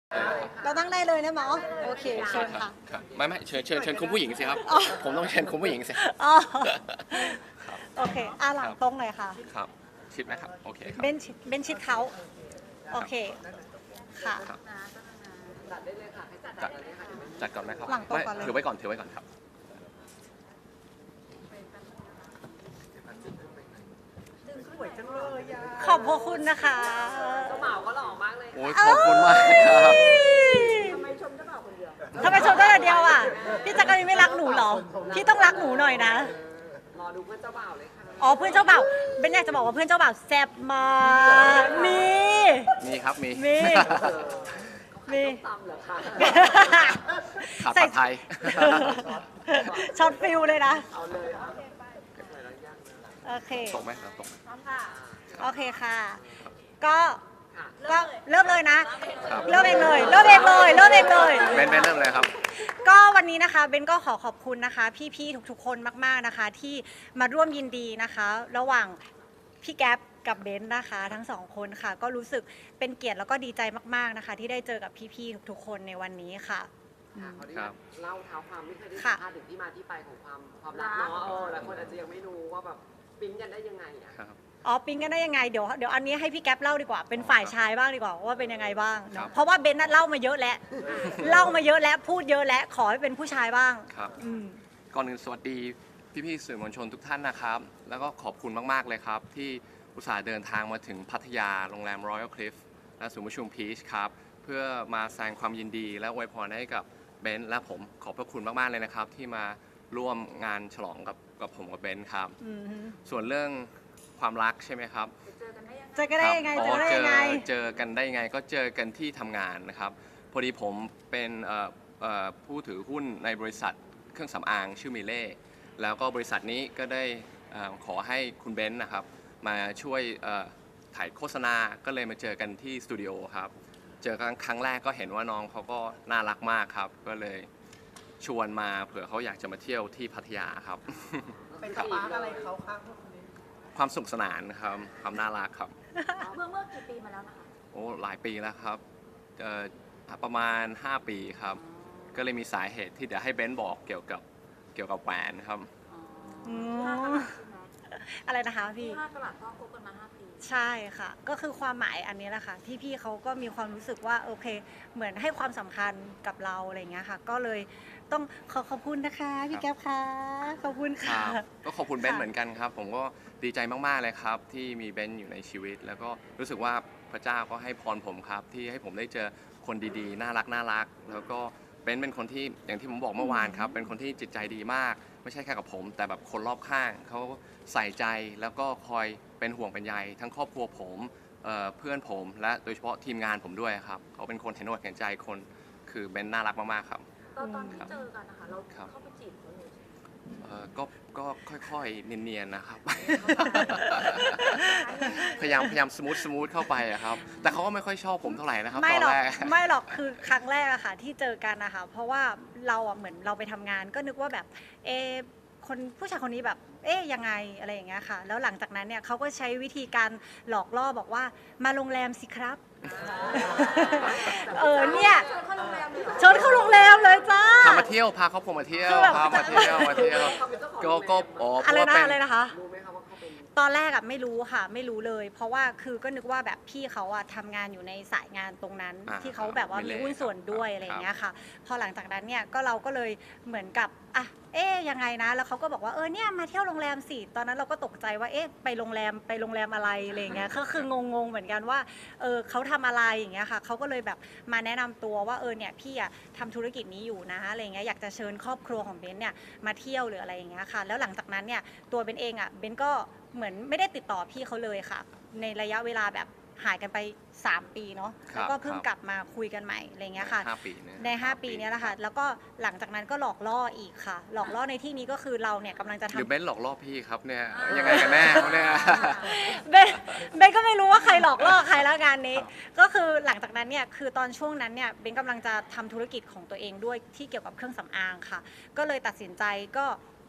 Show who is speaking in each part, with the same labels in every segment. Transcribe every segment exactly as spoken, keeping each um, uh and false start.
Speaker 1: เราตั้งได้เลยนะหมอโอเคเชิญค่ะ
Speaker 2: ครับไม่ไม่เชิญเชิญเชิญคุณผู้หญิงสิครับผมต้องเชิญคุณผู้หญิงสิ
Speaker 1: อ๋อโอเคอ่ะหลังตรงหน่อยค่ะ
Speaker 2: ครับชิดไหมครับโอเคครับ
Speaker 1: เบนชิดเบนชิดเขาโอเคค่ะ
Speaker 2: จัดได้เลยค่ะจัดจัดก่อนไหมครับ
Speaker 1: หลังตรงก่อนเลย
Speaker 2: ถือไว้ก่อนถือไว้ก่อนครับ
Speaker 1: ขอบพระคุณนะคะ
Speaker 3: เจ้าบ่าวก็หล่อมากเลย
Speaker 2: โอ้ยขอบคุณมากครับ
Speaker 3: ทำไมชมเจ้าบ่าวคนเดียว
Speaker 1: ทำไมชมได้แต่เดียวอ่ะพี่จักรีนไม่รักหนูเหรอพี่ต้องรักหนูหน่อยนะ
Speaker 3: รอดูเพื่อนเจ้าบ่าวเลยค่ะ
Speaker 1: อ๋อเพื่อนเจ้าบ่าวเบนอยากจะบอกว่าเพื่อนเจ้าบ่าวแซ่บมากมี
Speaker 2: มีครับมี
Speaker 1: มี มี
Speaker 3: ตำเหรอคะ
Speaker 2: ขาดผัดไทย
Speaker 1: ช็อตฟิลเลยนะ
Speaker 3: เอาเลยอ่ะ
Speaker 1: โอเค
Speaker 2: ตกไหมครับตก
Speaker 1: โอเคค่ะ ก็
Speaker 3: ค่ะ
Speaker 1: ก็เริ่มเลยนะ
Speaker 2: ครับ
Speaker 1: เริ่มเองเลย เริ่มเองเลย เริ่มเองเลย
Speaker 2: เบนเบนเริ่มเลยครับ
Speaker 1: ก็วันนี้นะคะเบนก็ขอขอบคุณนะคะ พี่ๆทุกๆคนมากๆนะคะ ที่มาร่วมยินดีนะคะ ระหว่างพี่แก๊ปกับเบนนะคะ ทั้งสองคนค่ะ ก็รู้สึกเป็นเกียรติแล้วก็ดีใจมากๆนะคะ ที่ได้เจอกับพี่ๆทุกๆคนในวันนี้ค่ะ
Speaker 3: ค่ะเขาได้
Speaker 2: ครับ
Speaker 3: เล่าเท้าความไม่เคยได้สั
Speaker 1: ค่ะ
Speaker 3: มภาษณ์ถึงที่มาที่ไปของความความรักเนาะเออหลายคนอาจจะยังไม่รู้ว่าแบบปิ๊งกันได้ยังไงอ่ะ
Speaker 2: ครับ
Speaker 1: อ๋อปิ๊งกันได้ยังไงเดี๋ยวเดี๋ยวอันนี้ให้พี่แก๊ปเล่าดีกว่าเป็นฝ่ายชายบ้างดีกว่าว่าเป็นยังไงบ้าง
Speaker 2: ครั
Speaker 1: เนาะ
Speaker 2: บ
Speaker 1: เพราะว่าเบนน่ะเล่ามาเยอะแล้ว เล่ามาเยอะแล้วพูดเยอะแล้วขอให้เป็นผู้ชายบ้าง
Speaker 2: ครับ
Speaker 1: อืม
Speaker 2: ก่อนอื่นสวัสดีพี่ๆสื่อมวลชนทุกท่านนะครับ แล้วก็ขอบคุณมากๆเลยครับ ที่อุตส่าห์เดินทางมาถึงพัทยาโรงแรม Royal Cliff และศูนย์ประชุมพีชครับ เพื่อมาแสดงความยินดีและอวยพรให้กับเบนซ์และผมขอบพระคุณมากๆเลยนะครับ ที่มาร่วมงานฉลองกับกับผมกับเบนซ์ครับ
Speaker 1: อืม
Speaker 2: ส่วนเรื่องความรักใช่ไหมครับ
Speaker 1: เจอกันได้ยังไง
Speaker 2: ครับ
Speaker 1: เจอกันได้ยังไง
Speaker 2: อ๋อเจอเจอกันได้ยังไงก็เจอกันที่ทำงานนะครับพอดีผมเป็นเอ่อเอ่อผู้ถือหุ้นในบริษัทเครื่องสำอางชื่อมิเล่แล้วก็บริษัทนี้ก็ได้เอ่อขอให้คุณเบนซ์นะครับมาช่วยเอ่อถ่ายโฆษณาก็เลยมาเจอกันที่สตูดิโอครับเจอกันครั้งแรกก็เห็นว่าน้องเขาก็น่ารักมากครับก็เลยชวนมาเผื่อเขาอยากจะมาเที่ยวที่พัทยาครับ
Speaker 3: เป็นสปาร์กอะไรเขาคะพวกนี้
Speaker 2: ความสนุขสนานครับความน่ารักครับ
Speaker 4: เมื่อเมื่อกี่ปีมาแล้วนะคะ
Speaker 2: โอ้หลายปีแล้วครับเอ่อประมาณ ห้า ปีครับ ก็เลยมีสาเหตุที่เดี๋ยวให้เบนซ์บอกเกี่ยวกับเกี่ยวกับแหวนครับ
Speaker 1: อื
Speaker 4: ห้ากะ
Speaker 1: ม
Speaker 4: ลัดใช่ไหม
Speaker 1: อะไรนะคะพี่
Speaker 4: ห้ากะลัดก็คบกันมาห้าปี
Speaker 1: ใช่ค่ะ ก็คือความหมายอันนี้แหละค่ะที่พี่เขาก็มีความรู้สึกว่าโอเค เหมือนให้ความสำคัญกับเราอะไรอย่างเงี้ยค่ะ ก็เลยต้องขอขอบคุณนะคะพี่แก๊ปค่ะขอบคุณ
Speaker 2: ค
Speaker 1: ค่ะ
Speaker 2: รับก็ขอบคุณเบนซ์
Speaker 1: ค่ะ
Speaker 2: เหมือนกันครับ ผมก็ดีใจมาก ๆ เลยครับ ที่มีเบนซ์อยู่ในชีวิต แล้วก็รู้สึกว่าพระเจ้าก็ให้พรผมครับ ที่ให้ผมได้เจอคนดีๆ น่ารักน่ารัก แล้วก็เบนซ์เป็นคนที่อย่างที่ผมบอกเมื่อวานครับ เป็นคนที่จิตใจดีมาก ไม่ใช่แค่กับผม แต่แบบคนรอบข้างเขาใส่ใจแล้วก็คอยเป็นห่วงเป็นใยทั้งครอบครัวผมเอ่อเพื่อนผม และโดยเฉพาะทีมงานผมด้วยครับเขาเป็นคนเห็นอกเห็นใจคนคือเบนซ์น่ารักมากๆครับ
Speaker 4: ตอนตอนที่เจอกันนะคะ เรา
Speaker 2: ครับ
Speaker 4: เข้าไปจีบเขาเลย
Speaker 2: เอ่อก็ก็ค่อยๆเนียนๆนะครับ พยายามพยายามสมูทสมูทเข้าไปอะครับ แต่เขาก็ไม่ค่อยชอบผมเท่าไหร่นะครับ
Speaker 1: ไม่
Speaker 2: ตอน
Speaker 1: หรอก
Speaker 2: แรก
Speaker 1: ไม่หรอกคือครั้งแรกอะค่ะที่เจอกันนะคะเพราะว่าเราอะเหมือนเราไปทำงาน ก็นึกว่าแบบเอะคนผู้ชายคนนี้แบบเอ๊ยยังไงอะไรอย่างเงี้ยค่ะ แล้วหลังจากนั้นเนี่ยเขาก็ใช้วิธีการหลอกล่อบอกว่ามาโรงแรมสิครับ เออเนี่ย
Speaker 4: ชวนเข้าโรงแรมเลยเหรอ
Speaker 1: ชวนเข้าโรงแรมเลยจ้า
Speaker 2: พามาเที่ยวพาครอบครัวมาเที่ยว
Speaker 1: คือแบบ
Speaker 2: พามาเที่ยวมาเที่ยวก็ก็อ๋อเพ
Speaker 1: อะไร
Speaker 2: ราะว่า
Speaker 1: นะ
Speaker 2: เป็น
Speaker 1: อะไรนะคะ
Speaker 3: รู้ไหมคะว่าเขาเป็น
Speaker 1: ตอนแรกอะไม่รู้ค่ะไม่รู้เลย เพราะว่าคือก็นึกว่าแบบพี่เขาอะทำงานอยู่ในสายงานตรงนั้น
Speaker 2: อ่า
Speaker 1: ที่เขาแบบว่า
Speaker 2: ไม่
Speaker 1: มี
Speaker 2: เละ
Speaker 1: หุ้นส่วนด้วย
Speaker 2: ครับ
Speaker 1: อะไรอย่างเงี้ยค่ะ พอหลังจากนั้นเนี่ยก็เราก็เลยเหมือนกับอ่ะเอ๊ยยังไงนะ แล้วเขาก็บอกว่าเออเนี่ยมาเที่ยวโรงแรมสิตอนนั้นเราก็ตกใจว่าเอ๊ะไปโรงแรมไปโรงแรมอะไรอะไรอย่างเงี้ยก็คืองงๆเหมือนกันว่าเออเขาทำอะไรอย่างเงี้ยค่ะเขาก็เลยแบบมาแนะนำตัวว่าเออเนี่ยพี่อะทำธุรกิจนี้อยู่นะอะไรอย่างเงี้ยอยากจะเชิญครอบครัวของเบนเนี่ยมาเที่ยวหรืออะไรอย่างเงี้ยค่ะแล้วหลังจากนั้นเนี่ยตัวเบนเองอะเบนก็เหมือนไม่ได้ติดต่อพี่เขาเลยค่ะ ในระยะเวลาแบบหายกันไปสามปีเนาะ
Speaker 2: ครับ
Speaker 1: แล้วก็เพิ่ง
Speaker 2: ครับ
Speaker 1: กลับมาคุยกันใหม่อะไรเงี้ยค่ะ
Speaker 2: ห้าปีเนี่ย
Speaker 1: ใน ห้า ปีเนี้ยแหละค่ะแล้วก็หลังจากนั้นก็หลอกล่ออีกค่ะ หลอกล่อในที่นี้ก็คือเราเนี่ยกำลังจะ
Speaker 2: หรือ
Speaker 1: ทำ
Speaker 2: เบนซ์หลอกล่อพี่ครับเนี่ยยังไงกันแน่ครับเนี่ย
Speaker 1: เบนเบนก็ไม่รู้ว่าใครหลอกล่อใครแล้วงานนี้ ก็คือหลังจากนั้นเนี่ยคือตอนช่วงนั้นเนี่ยเบนกำลังจะทำธุรกิจของตัวเองด้วยที่เกี่ยวกับเครื่องสำอางค่ะ ก็เลยตัดสินใจก็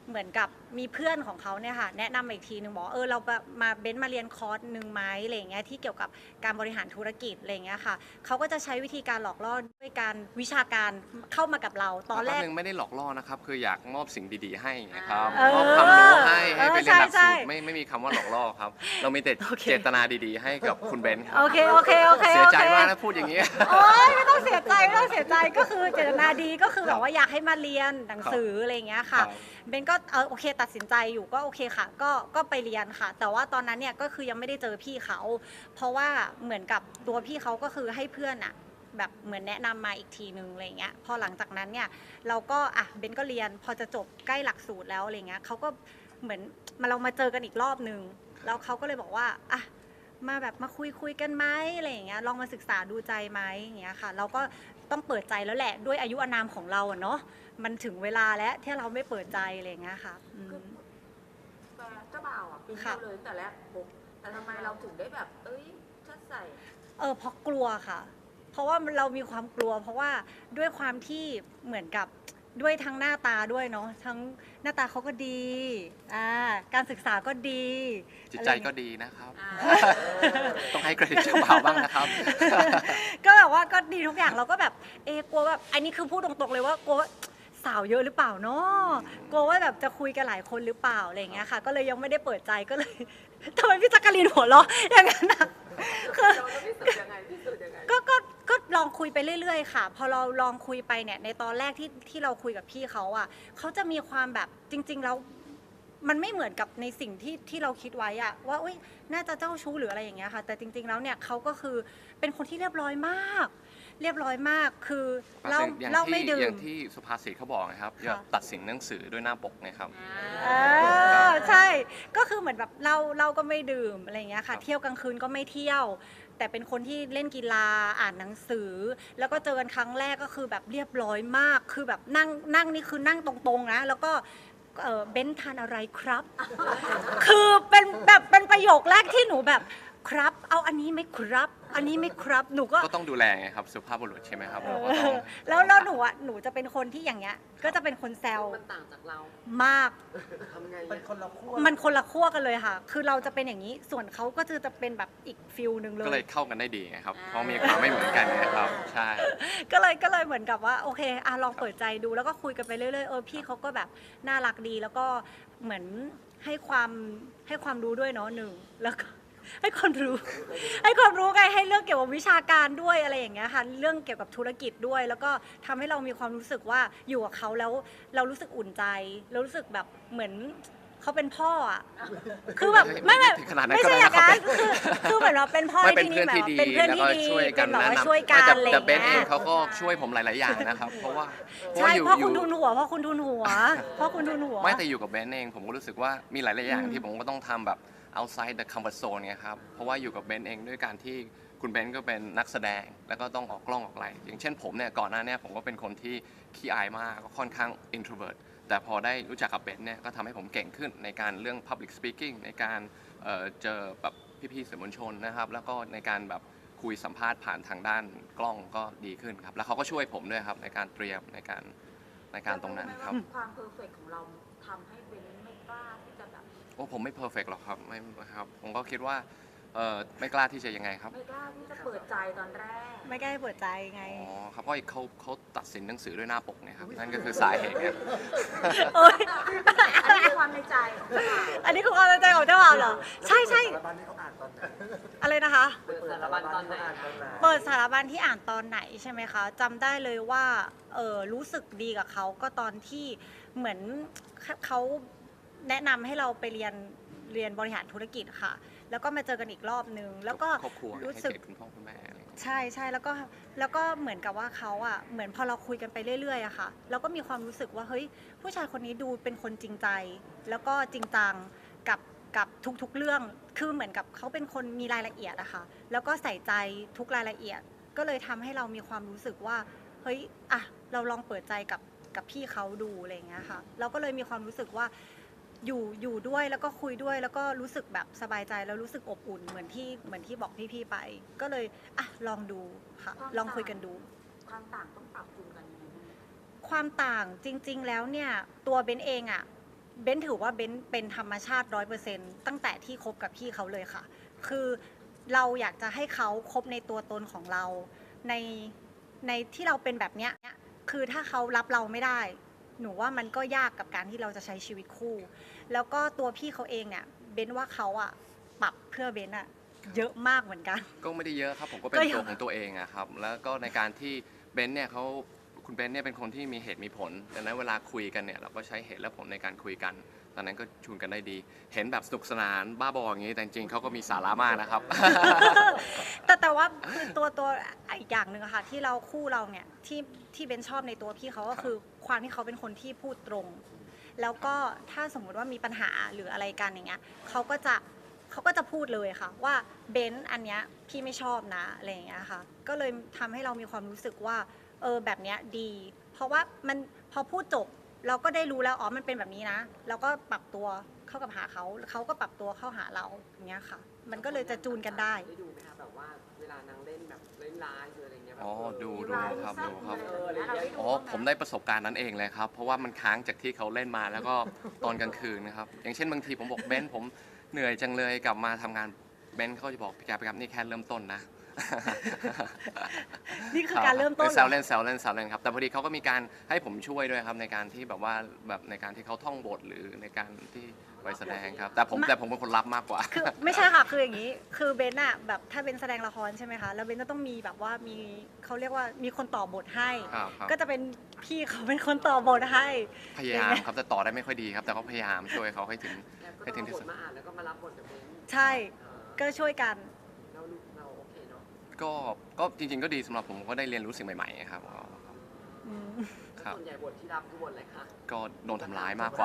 Speaker 1: เหมือนกับมีเพื่อนของเขาเนี่ยค่ะแนะนำมาอีกทีหนึ่งบอกว่าเออเราแบบมาเบนซ์มาเรียนคอร์สหนึ่งไหมอะไรอย่างเงี้ยที่เกี่ยวกับการบริหารธุรกิจอะไรอย่างเงี้ยค่ะเขาก็จะใช้วิธีการหลอกล่อด้วยการวิชาการเข้ามากับเราตอนแรก
Speaker 2: นึงไม่ได้หลอกล่อนะครับคืออยากมอบสิ่งดีๆให้นะครับ
Speaker 1: เออ
Speaker 2: มอบความรู้ให้ให้ไป
Speaker 1: เออ
Speaker 2: เรียนหลัก
Speaker 1: ใช่
Speaker 2: สูตร
Speaker 1: ใช่
Speaker 2: ไม่ไม่มีคำว่าหลอกล่อครับ เรามีแต่
Speaker 1: โอเค
Speaker 2: เจตนาดีๆ ให้กับคุณเบนซ์ครับ
Speaker 1: โอเคโอเคโอเค
Speaker 2: เสีย
Speaker 1: โอ
Speaker 2: ใจ
Speaker 1: เค
Speaker 2: มากนะพูดอย่างนี้
Speaker 1: โอ๊ยไม่ต้องเสียใจไม่ต้องเสียใจก็คือเจตนาดีก็คือแบบว่าอยากให้มาเรียนหนังสืออะไรอย่างเงี้ยค่ะ
Speaker 2: ครับ
Speaker 1: เบนก็เออโอเคตัดสินใจอยู่ก็โอเคค่ะ ก็ก็ไปเรียนค่ะ แต่ว่าตอนนั้นเนี่ยก็คือยังไม่ได้เจอพี่เขา เพราะว่าเหมือนกับตัวพี่เขาก็คือให้เพื่อนอะแบบเหมือนแนะนำมาอีกทีนึงอะไรเงี้ยพอหลังจากนั้นเนี่ยเราก็อ่ะเบนก็เรียนพอจะจบใกล้หลักสูตรแล้วอะไรเงี้ยเขาก็เหมือนมาเรามาเจอกันอีกรอบนึงแล้วเขาก็เลยบอกว่าอ่ะมาแบบมาคุยคุยกันไหมอะไรอย่างเงี้ยลองมาศึกษาดูใจไหมอย่างเงี้ยค่ะ เราก็ต้องเปิดใจแล้วแหละด้วยอายุอานามของเราอะเนาะมันถึงเวลาแล้วที่เราไม่เปิดใจอะไรอย่างเงี้ยค่ะอืม
Speaker 4: แฟนเจ้าบ่าวอ่ะปีน
Speaker 1: ค่ะ
Speaker 4: เราเลยตั้งแต่แรกปุ๊บแต่ทำไมเราถึงได้แบบ เอ้ยชัดใส่
Speaker 1: เออเพราะกลัวค่ะ เพราะว่าเรามีความกลัว เพราะว่าด้วยความที่เหมือนกับด้วยทั้งหน้าตาด้วยเนาะทั้งหน้าตาเขาก็ดีอ่าการศึกษาก็ดี
Speaker 2: จิตใจก็
Speaker 1: อะไรอย่างเงี้ย
Speaker 2: ดีนะครับ
Speaker 4: อ่า
Speaker 2: ต้องให้เครดิตเจ้าบ่าวบ้างนะครับ
Speaker 1: ก็แบบว่าก็ดีทุกอย่างเราก็แบบเอะกลัวแบบอันนี้คือพูดตรงๆเลยว่ากลัวว่าสาวเยอะหรือเปล่าเนาะกลัวว่าแบบจะคุยกันหลายคนหรือเปล่าอะไรอย่างเงี้ยค่ะ ก็เลยยังไม่ได้เปิดใจก็เลย ทำไมพี่จักรีนหัวเราะอย่างนั้นนะคือ
Speaker 3: เราต้องพิสูจน์ยังไงพิสูจน์ยังไง
Speaker 1: ก็ก็ก็ลองคุยไปเรื่อยๆค่ะ พอเราลองคุยไปเนี่ยในตอนแรกที่ที่เราคุยกับพี่เขาอ่ะเขาจะมีความแบบจริง ๆ แล้วมันไม่เหมือนกับในสิ่งที่ที่เราคิดไว้อะว่าอุ้ยน่าจะเจ้าชู้หรืออะไรอย่างเงี้ยค่ะ แต่จริง ๆ แล้วเนี่ยเขาก็คือเป็นคนที่เรียบร้อยมาก เรียบร้อยมากคือเล่า
Speaker 2: อย่าง
Speaker 1: เล่า
Speaker 2: ที่
Speaker 1: ไม่ดื่
Speaker 2: อย่าม งที่สุภาษิตเขาบอกนะครับอย่า
Speaker 1: ค่ะ
Speaker 2: ตัดสินหนังสือด้วยหน้าปกนะครับ
Speaker 1: เออใช่ ก็คือเหมือนแบบเราเราก็ไม่ดื่มอะไรอย่างเงี้ย
Speaker 2: ครั
Speaker 1: ค่ะ
Speaker 2: บ
Speaker 1: เที่ยวกลางคืนก็ไม่เที่ยว แต่เป็นคนที่เล่นกีฬาอ่านหนังสือ แล้วก็เจอกันครั้งแรกก็คือแบบเรียบร้อยมาก คือแบบนั่งนั่งนี่คือนั่งตรงๆนะแล้วก็เออเบ้นทานอะไรครับ คือเป็นแบบเป็นประโยคแรกที่หนูแบบครับ เอาอันนี้ไหมครับ อันนี้ไหมครับหนูก็
Speaker 2: ก็ต้องดูแลไงครับสุภาพบุรุษใช่ไหมครับเราก็
Speaker 1: เอ
Speaker 2: ต้อง
Speaker 1: อแล้วแล้วหนูอ่ะหนูจะเป็นคนที่อย่างเงี้ย ก็จะเป็นคนแซว
Speaker 3: มันต่างจากเรา
Speaker 1: มาก
Speaker 3: ทำไง
Speaker 5: เป็น
Speaker 3: อะ
Speaker 5: คนละขั้ว
Speaker 1: มันคนละขั้วกันเลยค่ะ คือเราจะเป็นอย่างนี้ ส่วนเขาก็จะจะเป็นแบบอีกฟิลหนึ่งเล
Speaker 2: ก็เลย ยเข้ากันได้ดีไงครับ เพราะมีความไม่เหมือนกันไงครับ ใช่
Speaker 1: ก็เลยก็เลยเหมือนกับว่าโอเคอ่ะลองเปิดใจดูแล้วก็คุยกันไปเรื่อยๆ เออพี่เขาก็แบบน่ารักดีแล้วก็เหมือนให้ความให้ความรู้ด้วยเนาะหนึ่งแล้วก็ ให้ความรู้ ให้ความรู้ไงให้เรื่องเกี่ยวกับวิชาการด้วยอะไรอย่างเงี้ยค่ะเรื่องเกี่ยวกับธุรกิจด้วย แล้วก็ทำให้เรามีความรู้สึกว่าอยู่กับเขาแล้วเรารู้สึกอุ่นใจเรารู้สึกแบบเหมือนเขาเป็นพ่ออ่ะคือแบบไม่ไม่
Speaker 2: ถึงขนาดนั้น
Speaker 1: ไม่
Speaker 2: ก็
Speaker 1: ใช่
Speaker 2: ได้
Speaker 1: อย่างนั้น
Speaker 2: นะครับ
Speaker 1: คือคือเหมือนเราเป็นพ่อ
Speaker 2: ไม่
Speaker 1: ใน
Speaker 2: เป็น
Speaker 1: ที่
Speaker 2: เพื่
Speaker 1: นี้
Speaker 2: อน
Speaker 1: แบบ
Speaker 2: ที่ดี
Speaker 1: เป็นเพื่อน
Speaker 2: แล้ว
Speaker 1: ที่
Speaker 2: ก็
Speaker 1: ดี
Speaker 2: ช่วยกัน
Speaker 1: เป็นแบบว่า
Speaker 2: แนะนำ
Speaker 1: ช่วยกัน
Speaker 2: แต่
Speaker 1: อะไรอ
Speaker 2: แต่
Speaker 1: ย่าง
Speaker 2: เบนเอ
Speaker 1: เงี้
Speaker 2: ง
Speaker 1: ย
Speaker 2: เขาก็ช่วยผมหลาย ๆ อย่างนะครับ เพราะว่าเพราะ
Speaker 1: ใช่
Speaker 2: ว่าอยู่
Speaker 1: เพราะ
Speaker 2: อ
Speaker 1: คุณ
Speaker 2: ยู่
Speaker 1: ทุนหัวเพราะคุณทุนหัวเพราะคุณทุนหัว
Speaker 2: ไม่แต่อยู่กับเบนเองผมก็รู้สึกว่ามีหลาย ๆ อย่าง
Speaker 1: อืม
Speaker 2: ที่ผมก็ต้องทำแบบ outside the comfort zone เนี่ยครับเพราะว่าอยู่กับเบนเองด้วยการที่คุณเบนก็เป็นนักแสดงแล้วก็ต้องออกกล้องออกอะไรอย่างเช่นผมเนี่ยก่อนหน้าเนี้ผมก็เป็นคนที่ขี้อายมากก็ค่อนข้าง introvert แต่พอได้รู้จักกับเบนเนี่ยก็ทำให้ผมเก่งขึ้นในการเรื่อง public speaking ในการเอ่อเจอแบบพี่ ๆ สื่อมวลชนนะครับแล้วก็ในการแบบคุยสัมภาษณ์ผ่านทางด้านกล้องก็ดีขึ้นครับแล้วเขาก็ช่วยผมด้วยครับในการเตรียมในการในการตรงนั้นครับ
Speaker 4: ความเพอร์เฟกของเราทำให้เบนไม่กล้าที่จะแบบ
Speaker 2: โอ้ผมไม่เพอร์เฟกหรอกครับไม่ครับผมก็คิดว่าเออไม่กล้าที่จะยังไงครับ
Speaker 4: ไม่กล้าที่จะเปิดใจตอนแรก
Speaker 1: ไม่กล้าให้เปิดใจไง
Speaker 2: อ๋อครับเพราะเขาเขาตัดสินหนังสือด้วยหน้าปกเนี่ยครับนั่นก็คือสาเหตุเนี่ย
Speaker 1: โอ๊ย
Speaker 4: อันนี้คือความในใจของเจ้าบ่าว
Speaker 1: อันนี้คือความตั้งใจของเจ้าบ่าวเหรอ ใช่ใช่
Speaker 5: สารบัญที่เขาอ่านตอนไหน
Speaker 1: อะไรนะคะ
Speaker 3: เปิดสารบัญตอนไหน
Speaker 5: อ่านตอนไหน
Speaker 1: เปิดสารบัญที่อ่านตอนไหนใช่ไหมคะจำได้เลยว่าเออรู้สึกดีกับเขาก็ตอนที่เหมือนเขาแนะนำให้เราไปเรียนเรียนบริหารธุรกิจค่ะ แล้วก็มาเจอกันอีกรอบนึงแล้วก็
Speaker 2: ครอบครัว
Speaker 1: รู้
Speaker 2: ให้
Speaker 1: สึก
Speaker 2: เกียรติคุณพ่อคุณแม่อะไรอย่างเงี้ย
Speaker 1: ใช่ใช่แล้วก็แล้วก็เหมือนกับว่าเขาอ่ะเหมือนพอเราคุยกันไปเรื่อยๆอะค่ะเราก็มีความรู้สึกว่าเฮ้ยผู้ชายคนนี้ดูเป็นคนจริงใจ แล้วก็จริงจังกับกับทุกๆเรื่องคือเหมือนกับเขาเป็นคนมีรายละเอียดอะค่ะแล้วก็ใส่ใจทุกรายละเอียด ก็เลยทำให้เรามีความรู้สึกว่าเฮ้ยอ่ะเราลองเปิดใจกับกับพี่เขาดูอะไรอย่างเงี้ยค่ะเราก็เลยมีความรู้สึกว่าอยู่อยู่ด้วยแล้วก็คุยด้วยแล้วก็รู้สึกแบบสบายใจแล้วรู้สึกอบอุ่นเหมือนที่เหมือนที่บอกพี่ๆไป ก็เลยอ่ะลองดูค่ะลองคุยกันดู
Speaker 4: ความต่างต้องปรับจูนกันยังไงบ้าง
Speaker 1: ความต่างจริง ๆ แล้วเนี่ยตัวเบนเองอะเบนถือว่าเบนเป็นธรรมชาติร้อยเปอร์เซ็นต์ตั้งแต่ที่คบกับพี่เขาเลยค่ะ คือเราอยากจะให้เขาคบในตัวตนของเราในในที่เราเป็นแบบเนี้ยคือถ้าเขารับเราไม่ได้ หนูว่ามันก็ยากกับการที่เราจะใช้ชีวิตคู่ แล้วก็ตัวพี่เขาเองเนี่ยเบนว่าเขาอะปรับเพื่อเบนอะเยอะมากเหมือนกัน
Speaker 2: ก็ไม่ได้เยอะครับผมก็เป็น
Speaker 1: ก็ยัง
Speaker 2: ตัวของตัวเองอะครับแล้วก็ในการที่เบนซ์เนี่ยเขาคุณเบนซ์เนี่ยเป็นคนที่มีเหตุมีผลดังนั้นเวลาคุยกันเนี่ยเราก็ใช้เหตุและผลในการคุยกันตอนนั้นก็ชูนกันได้ดี เห็นแบบสนุกสนานบ้าบออย่างนี้แต่จริงๆเขาก็มีสาระมากนะครับ
Speaker 1: แต่แต่ว่าคือตัวตัวอีกอย่างหนึ่งอะค่ะที่เราคู่เราเนี่ยที่ที่เบนชอบในตัวพี่เขาก็คือความที่เขาเป็นคนที่พูดตรง แล้วก็ถ้าสมมุติว่ามีปัญหาหรืออะไรกันอย่างเงี้ยเขาก็จะเขาก็จะพูดเลยค่ะว่าเบนอันเนี้ยพี่ไม่ชอบนะอะไรอย่างเงี้ยค่ะก็เลยทำให้เรามีความรู้สึกว่าเออแบบเนี้ยดี เพราะว่ามันพอพูดจบเราก็ได้รู้แล้วอ๋อมันเป็นแบบนี้นะเราก็ปรับตัวเข้ากับหาเขาเขาก็ปรับตัวเข้าหาเราอย่างเงี้ยค่ะ มันก็เลยจะจูนกันได้
Speaker 3: ได้ดูไหมคะแบบว่าเวลานางเล่นแบบเล่นร้ายหรืออะไรเงี้ยแบบ
Speaker 2: อ๋อ
Speaker 3: เออ
Speaker 2: ดูดูครับดูครับ
Speaker 3: เอออะไรอย่างเงี้ย
Speaker 2: อ๋อผมได้ประสบการณ์นั้นเองเลยครับ เพราะว่ามันค้างจากที่เขาเล่นมาแล้วก็ตอนกลางคืนนะครับ อย่างเช่นบางทีผมบอกเบนซ์ผมเหนื่อยจังเลยกลับมาทำงานเบนซ์เขาจะบอกพี่แกไปครับนี่แค่เริ่มต้นนะ
Speaker 1: นี่คือการเริ่มต้นเหรอ
Speaker 2: แซวเล่นแซวเล่นแซวเล่นครับแต่พอดีเขาก็มีการให้ผมช่วยด้วยครับในการที่แบบว่าแบบในการที่เขาท่องบทหรือในการที่ไปแสดงครับ แต่ผมแต่ผมเป็นคนรับมากกว่า
Speaker 1: คือไม่ใช่ค่ะคืออย่างนี้ คือเบนอะแบบถ้าเป็นแสดงละครใช่ไหมคะแล้วเบนจะต้องมีแบบว่ามีเขาเรียกว่ามีคนต่อบทให้
Speaker 2: ครับครับ
Speaker 1: ก็จะเป็นพี่เขาเป็นคนต่อบทให้
Speaker 2: พยายามครับแต่ต่อได้ไม่ค่อยดีครับ แต่ก็พยายามช่วยเขาให้ถึง
Speaker 3: แล้วก็
Speaker 2: ให้
Speaker 3: ต้
Speaker 2: ถึ
Speaker 3: อง ง
Speaker 2: ที่
Speaker 3: บ
Speaker 2: สุ
Speaker 3: ท
Speaker 2: ด
Speaker 3: มาอ่านแล้วก็มารับบทกับเบน
Speaker 1: ใช่ ก็ช่วยกัน
Speaker 3: เราเราโอเคเนาะ
Speaker 2: ก็ก็จริงๆก็ดีสำหรับผมก็ได้เรียนรู้สิ่งใหม่ๆครับ
Speaker 1: อืม
Speaker 2: ครับ
Speaker 3: ส่วนใหญ่บทที่รับคือบทอะไรคะ
Speaker 2: ก็โดนทำร้ายมากกว่า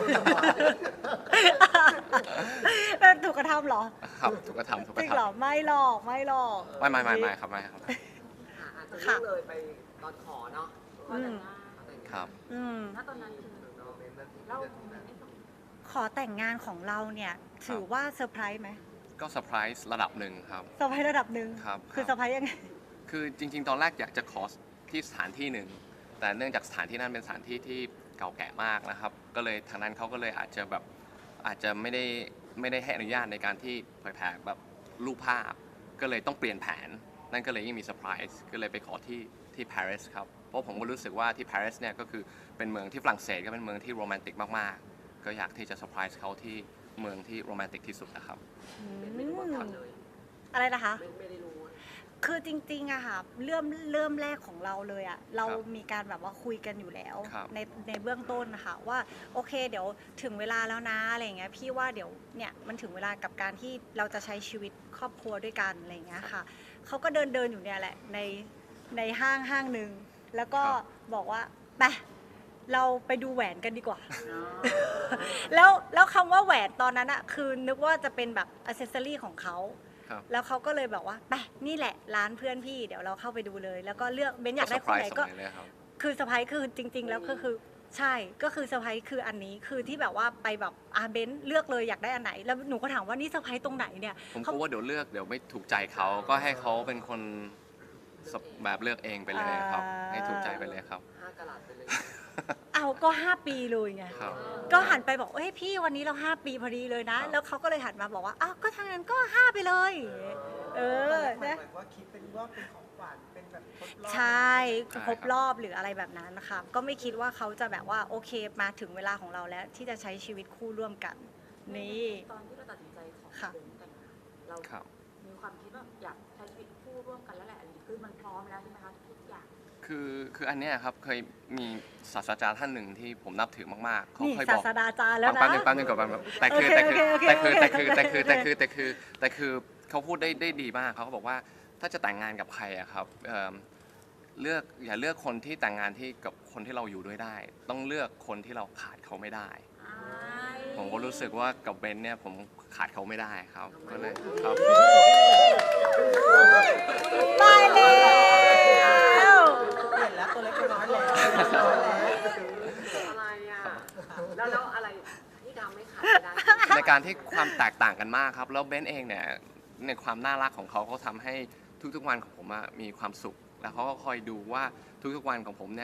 Speaker 1: แล้วถูกกระทำเหรอ
Speaker 2: ครับถูกกระทำถูกก
Speaker 1: จริ
Speaker 2: ระ
Speaker 1: ง
Speaker 2: ทำ
Speaker 1: เหรอไม่หรอกไม่หรอก
Speaker 2: ไม่ไม่ไม่ไม่ครับไม่ครับ
Speaker 3: ค่ะอาจจะเลื่อนเลยไปตอนขอเนาะ
Speaker 1: อืม
Speaker 2: ครับ
Speaker 1: อืม
Speaker 4: ณตอนนั้นคือเราไม่ต้อง
Speaker 1: ขอแต่งงานของเราเนี่ยถือว่าเซอร์ไพรส์ไหม
Speaker 2: ก็เซอร์ไพรส์ระดับหนึ่งครับ
Speaker 1: เซอร์ไพรส์ระดับหนึ่ง
Speaker 2: ครับ
Speaker 1: คือเซอร์ไพรส์ยังไง
Speaker 2: คือจริง ๆ ตอนแรกอยากจะขอที่สถานที่หนึ่ง แต่เนื่องจากสถานที่นั้นเป็นสถานที่ที่เก่าแก่มากนะครับ ก็เลยทางนั้นเขาก็เลยอาจจะแบบอาจจะไม่ได้ไม่ได้ให้อนุญาตในการที่เผยแพร่แบบรูปภาพ ก็เลยต้องเปลี่ยนแผน นั่นก็เลยยิ่งมีเซอร์ไพรส์ก็เลยไปขอที่ที่ปารีสครับ เพราะผมก็รู้สึกว่าที่ปารีสเนี่ยก็คือเป็นเมืองที่ฝรั่งเศสก็เป็นเมืองที่โรแมนติกมากๆ ก็อยากที่จะเซอร์ไพรส์เขาที่เมืองที่โรแมนติกที่สุดนะครับ
Speaker 3: เป็นไม่รู้มาก่อนเลย
Speaker 1: อะไรนะคะ
Speaker 3: ไม่ไม่ได้รู้
Speaker 1: คือจริงๆอะค่ะเริ่มเริ่มแรกของเราเลยอะเรามีการแบบว่าคุยกันอยู่แล้ว
Speaker 2: ครับ
Speaker 1: ในในเบื้องต้นนะคะว่าโอเคเดี๋ยวถึงเวลาแล้วนะอะไรอย่างเงี้ยพี่ว่าเดี๋ยวเนี่ยมันถึงเวลากับการที่เราจะใช้ชีวิตครอบครัวด้วยกันอะไรอย่างเงี้ยค่ะเขาก็เดินเดินอยู่เนี่ยแหละในในห้างห้างหนึ่งแล้วก็บอกว่าไปเราไปดูแหวนกันดีกว่า แล้วแล้วคำว่าแหวนตอนนั้นอะคือนึกว่าจะเป็นแบบอ c เซสซอรี่ของเขา
Speaker 2: ครับ
Speaker 1: แล้วเขาก็เลยบอกว่าไปนี่แหละร้านเพื่อนพี่เดี๋ยวเราเข้าไปดูเลย แล้วก็เลือกเบนอยากได้คนไหนก็
Speaker 2: เซอร์พรส์สมัยเลยครับ
Speaker 1: คือเซอร์ไพรส์คือจริง ๆ แล้วก็คือใช่ก็คือเซอร์ไพรส์คืออันนี้คือที่แบบว่าไปแบบอาเบนเลือกเลยอยากได้อันไหน แล้วหนูก็ถามว่านี่เซอร์ไพรส์ตรงไหนเนี่ย
Speaker 2: ผมก
Speaker 1: เขา
Speaker 2: ลัวว่าเดี๋ยวเลือกเดี๋ยวไม่ถูกใจเขาก็ให้เขาเป็นคนแบบเลือกเองไปเลยครับ ให้ถูกใจไปเลยครับ
Speaker 3: ห้ากะลัดไปเลย
Speaker 1: เอาก็ห้าปีเลยไง
Speaker 2: ครับ
Speaker 1: ก็หันไปบอกเอ้ยพี่วันนี้เราห้าปีพอดีเลยนะ
Speaker 2: ครับ
Speaker 1: แล้วเขาก็เลยหันมาบอกว่าอ้าวก็ทางนั้นก็ห้าไปเลยเออ
Speaker 5: หมา
Speaker 1: นะ
Speaker 5: ยว่าคิดเป็นว่าเป็นของขวัญเป็นแบบทดลอง
Speaker 1: ใช่ครบรอบหรืออะไรแบบนั้นนะคะก็ไม่คิดว่าเขาจะแบบว่าโอเคมาถึงเวลาของเราแล้ว ที่จะใช้ชีวิตคู่ร่วมกัน นี่
Speaker 4: ตอนที่เราตัดสินใจขอ
Speaker 1: ค่ะ
Speaker 4: เบนแต่งงานเรา
Speaker 2: ครับ
Speaker 4: มีความคิดว่าอยากใช้ชีวิตคู่ร่วมกันแล้วแหละอันนี้คือมันพร้อมแล้วใช่ไหมคะทุกอย่าง
Speaker 2: คือคืออันเนี้ยครับเคยมีศาสตราจารย์ท่านหนึ่งที่ผมนับถือมากๆเขา
Speaker 1: นี่
Speaker 2: เคย
Speaker 1: ศา
Speaker 2: บอก
Speaker 1: สดาจารย์แล้ว
Speaker 2: แป๊
Speaker 1: นะ
Speaker 2: บนึงแป๊บนึงก่อนแป๊บนึงแต่คือ
Speaker 1: โอ
Speaker 2: แต่
Speaker 1: เค
Speaker 2: คือ
Speaker 1: โอเค
Speaker 2: แต่คือ
Speaker 1: โอ
Speaker 2: แต่
Speaker 1: เค
Speaker 2: คือแต่คือแต่คือ
Speaker 1: โอเค
Speaker 2: แต่คือแต่คือเขาพูดได้ได้ดีมากเขาก็บอกว่าถ้าจะแต่งงานกับใครอะครับเอิ่มเลือกอย่าเลือกคนที่แต่งงานที่กับคนที่เราอยู่ด้วยได้ ต้องเลือกคนที่เราขาดเขาไม่ได้ ผมก็รู้สึกว่ากับเบนเนี่ยผมขาดเขาไม่ได้ครับก็เลยครับ
Speaker 1: ตายแล้ว
Speaker 5: เปลี่ยนแล้วตัวเล็กตัวน้อยแล้ว
Speaker 3: อะไรอ่ะ แล้วแล้วอะไรที่ทำให้ขาดไม่ได้
Speaker 2: ในการที่ความแตกต่างกันมากครับ แล้วเบนเองเนี่ยในความน่ารักของเขาเขาทำให้ทุกๆวันของผมอะมีความสุข แล้วเขาก็คอยดูว่าทุกๆวันของผมเนี่ย